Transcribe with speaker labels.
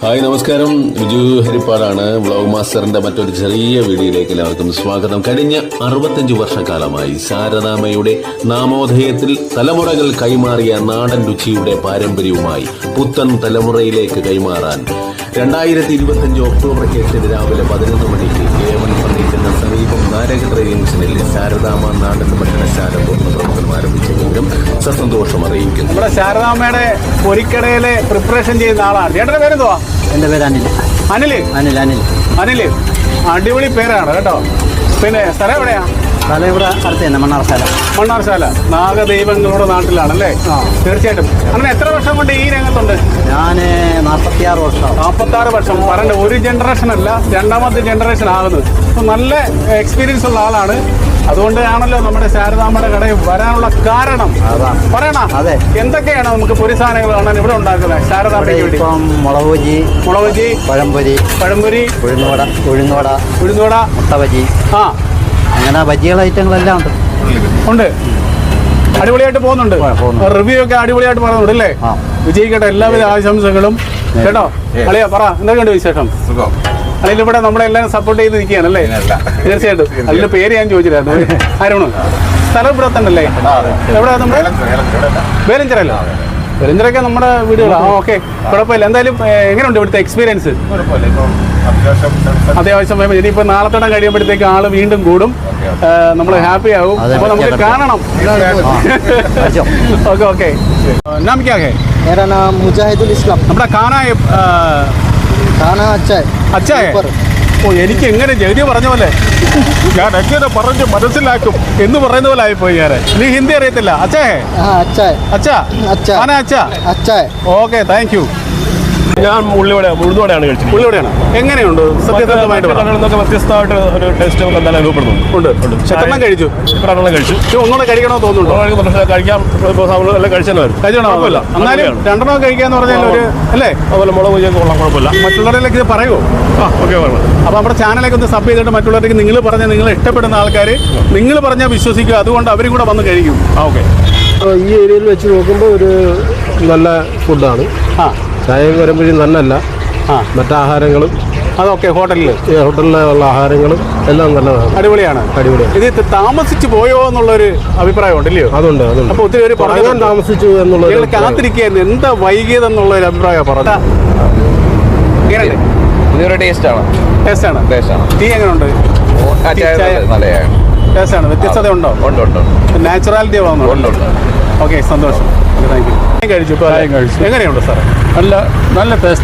Speaker 1: Hi നമസ്കാരം, Biju ഹരിപ്പാടാണ്. Vlog മാസ്റ്ററിന്റെ മറ്റൊരു ചെറിയ വീഡിയോയിലേക്ക് എല്ലാവർക്കും സ്വാഗതം. കഴിഞ്ഞ 65 വർഷക്കാലമായി ശാരദാമ്മയുടെ നാമോദയത്തിൽ തലമുറകൾ കൈമാറിയ നാടൻ രുചിയുടെ പാരമ്പര്യവുമായി പുത്തൻ തലമുറയിലേക്ക് കൈമാറാൻ 2025 ഒക്ടോബർ 8 രാവിലെ 11 മണിക്ക് A1 ഫർണിച്ചറിന് സമീപം നാരകത്ര ജംഗ്ഷനിൽ ശാരദാമ്മ നാടൻ ഭക്ഷണശാല പൂർണ്ണ പ്രവർത്തനം ആരംഭിച്ച വിവരം സസന്തോഷം അറിയിക്കുന്നു.
Speaker 2: നമ്മുടെ ശാരദാമ്മയുടെ പൊരിക്കടയിലെ പ്രിപ്പറേഷൻ ചെയ്യുന്ന ആളാണ്. ചേട്ടന്റെ പേരെന്തുവാ?
Speaker 3: എന്റെ പേര് അനിൽ.
Speaker 2: അനില്
Speaker 3: അനിൽ അനിൽ
Speaker 2: അനില് അടിപൊളി പേരാണ് കേട്ടോ. പിന്നെ സ്ഥലം എവിടെയാ?
Speaker 3: സ്ഥലം ഇവിടെ അടുത്ത് തന്നെ, മണ്ണാർശാല.
Speaker 2: മണ്ണാർശാല നാഗദൈവങ്ങളുടെ നാട്ടിലാണല്ലേ? തീർച്ചയായിട്ടും. അങ്ങനെ എത്ര വർഷം കൊണ്ട് ഈ രംഗത്തുണ്ട്?
Speaker 3: ഞാൻ 46 വർഷം.
Speaker 2: 46 വർഷം. പറയണ്ട, ഒരു ജനറേഷൻ അല്ല, രണ്ടാമത്തെ ജനറേഷൻ ആകുന്നത്. അപ്പൊ നല്ല എക്സ്പീരിയൻസ് ഉള്ള ആളാണ്. അതുകൊണ്ടാണല്ലോ നമ്മുടെ ശാരദാമ്മയുടെ കടയിൽ വരാനുള്ള കാരണം. പറയണ
Speaker 3: അതെ,
Speaker 2: എന്തൊക്കെയാണ് നമുക്ക് പൊരി സാധനങ്ങൾ കാണാൻ ഇവിടെ ഉണ്ടാക്കുന്നത് ശാരദാമ്മയ്ക്ക് വേണ്ടി?
Speaker 3: ഇപ്പം മുളക് ബജി, പഴംപൊരി, ഉഴുന്നുവട, മുട്ട ബജി, അങ്ങനെ ബജികൾ ഐറ്റങ്ങളെല്ലാം
Speaker 2: ഉണ്ട്. അടിപൊളിയായിട്ട് പോകുന്നുണ്ട്. റിവ്യൂ ഒക്കെ അടിപൊളിയായിട്ട് പറയുന്നുണ്ട് അല്ലേ? വിജയിക്കട്ടെ, എല്ലാവിധ ആശംസകളും കേട്ടോ. അളിയാ പറ, എന്തൊക്കെയുണ്ട് വിശേഷം? അല്ലെങ്കിൽ ഇവിടെ നമ്മളെല്ലാം സപ്പോർട്ട് ചെയ്ത് നിൽക്കുകയാണ് അല്ലേ? തീർച്ചയായിട്ടും. അതിന്റെ പേര് ഞാൻ ചോദിച്ചില്ലായിരുന്നു. ആരാണ്? സ്ഥലം ഇവിടെ തന്നെ അല്ലേ? എവിടെ നമ്മുടെ വേലഞ്ചിറല്ലോ? വേലഞ്ചിറൊക്കെ നമ്മുടെ വീടുകളാണ്. ഓക്കെ, കുഴപ്പമില്ല. എന്തായാലും എങ്ങനെയുണ്ട് ഇവിടുത്തെ എക്സ്പീരിയൻസ്? അത്യാവശ്യം ഇനിയിപ്പോൾ നാളത്തോടെ കഴിയുമ്പോഴത്തേക്ക് ആള് വീണ്ടും കൂടും, നമ്മൾ ഹാപ്പി ആകും. അപ്പൊ നമുക്ക് കാണണം. Okay okay. नाम क्या है?
Speaker 3: मेरा नाम मुजाहिदुल इस्लाम.
Speaker 2: നമ്മുടെ खाना अच्छा है. ഓ, എനിക്ക് എങ്ങനെ ജഗതി പറഞ്ഞ പോലെ ഞാൻ എങ്ങനെ പറഞ്ഞ് മനസ്സിലാക്കും എന്ന് പറയുന്ന പോലെ ആയിപ്പോയി. ഞാൻ നീ ഹിന്ദി അറിയത്തില്ല? അച്ഛാ ഓക്കെ, താങ്ക് യു.
Speaker 4: ഞാൻ ഉഴുന്നുവടയാണ് കഴിച്ചത്.
Speaker 2: ഉള്ളിവിടെയാണ്. എങ്ങനെയുണ്ട്? സത്യസന്ധമായിട്ട്
Speaker 4: വ്യത്യസ്തമായിട്ട് ഒരു ടേസ്റ്റ് നമുക്ക് എന്തായാലും അനുഭവപ്പെടുന്നുണ്ട്.
Speaker 2: എണ്ണം കഴിച്ചു?
Speaker 4: കഴിച്ചു.
Speaker 2: ഒന്നുകൂടെ കഴിക്കണമെന്ന് തോന്നുന്നുണ്ടോ?
Speaker 4: കഴിക്കാം,
Speaker 2: കഴിച്ചോണമില്ല. എന്നാലും രണ്ടെണ്ണം കഴിക്കാന്ന് പറഞ്ഞാൽ ഒരു അല്ലേ?
Speaker 4: അതുപോലെ മുളക് പൊരിയൊക്കെ കൊള്ളാം, കുഴപ്പമില്ല.
Speaker 2: മറ്റുള്ളവരിലേക്ക് ഇത് പറയുമോ?
Speaker 4: ഓക്കെ.
Speaker 2: അപ്പോൾ നമ്മുടെ ചാനലൊക്കെ ഒന്ന് സബ് ചെയ്തിട്ട് മറ്റുള്ളവർക്ക് നിങ്ങൾ പറഞ്ഞ, നിങ്ങൾ ഇഷ്ടപ്പെടുന്ന ആൾക്കാർ നിങ്ങൾ പറഞ്ഞാൽ വിശ്വസിക്കുക. അതുകൊണ്ട് അവരും കൂടെ വന്ന് കഴിക്കും.
Speaker 4: ഓക്കെ.
Speaker 5: ഈ ഏരിയയിൽ വെച്ച് നോക്കുമ്പോൾ ഒരു നല്ല ഫുഡാണ്. ചായയും വരുമ്പോഴും നന്നല്ല, മറ്റാഹാരങ്ങളും
Speaker 2: അതൊക്കെ
Speaker 5: ഹോട്ടലിലുള്ള ആഹാരങ്ങളും എല്ലാം നല്ലതാണ്,
Speaker 2: അടിപൊളിയാണ്. ഇത് താമസിച്ചു പോയോ എന്നുള്ളൊരു അഭിപ്രായം ഉണ്ടല്ലോ?
Speaker 5: അതുണ്ട്.
Speaker 2: അപ്പൊ ഒത്തിരി പേര് പറയാൻ
Speaker 5: താമസിച്ചു എന്നുള്ള
Speaker 2: കാത്തിരിക്കുകയായിരുന്നു. എന്താ വൈകിയതെന്നുള്ള ഒരു അഭിപ്രായം പറഞ്ഞ
Speaker 6: ഇതൊരു ടേസ്റ്റ് ആണ്.
Speaker 2: ടീ എങ്ങനെയുണ്ട്? ടേസ്റ്റ് ആണ്. വ്യത്യസ്തത ഉണ്ടോ? നാച്ചുറാലിറ്റി ആവുന്നുണ്ടോ? ഓക്കെ, സന്തോഷം. Thank you. കഴിച്ചു. എങ്ങനെയുണ്ട് സാർ?
Speaker 5: നല്ല ടേസ്റ്റ്.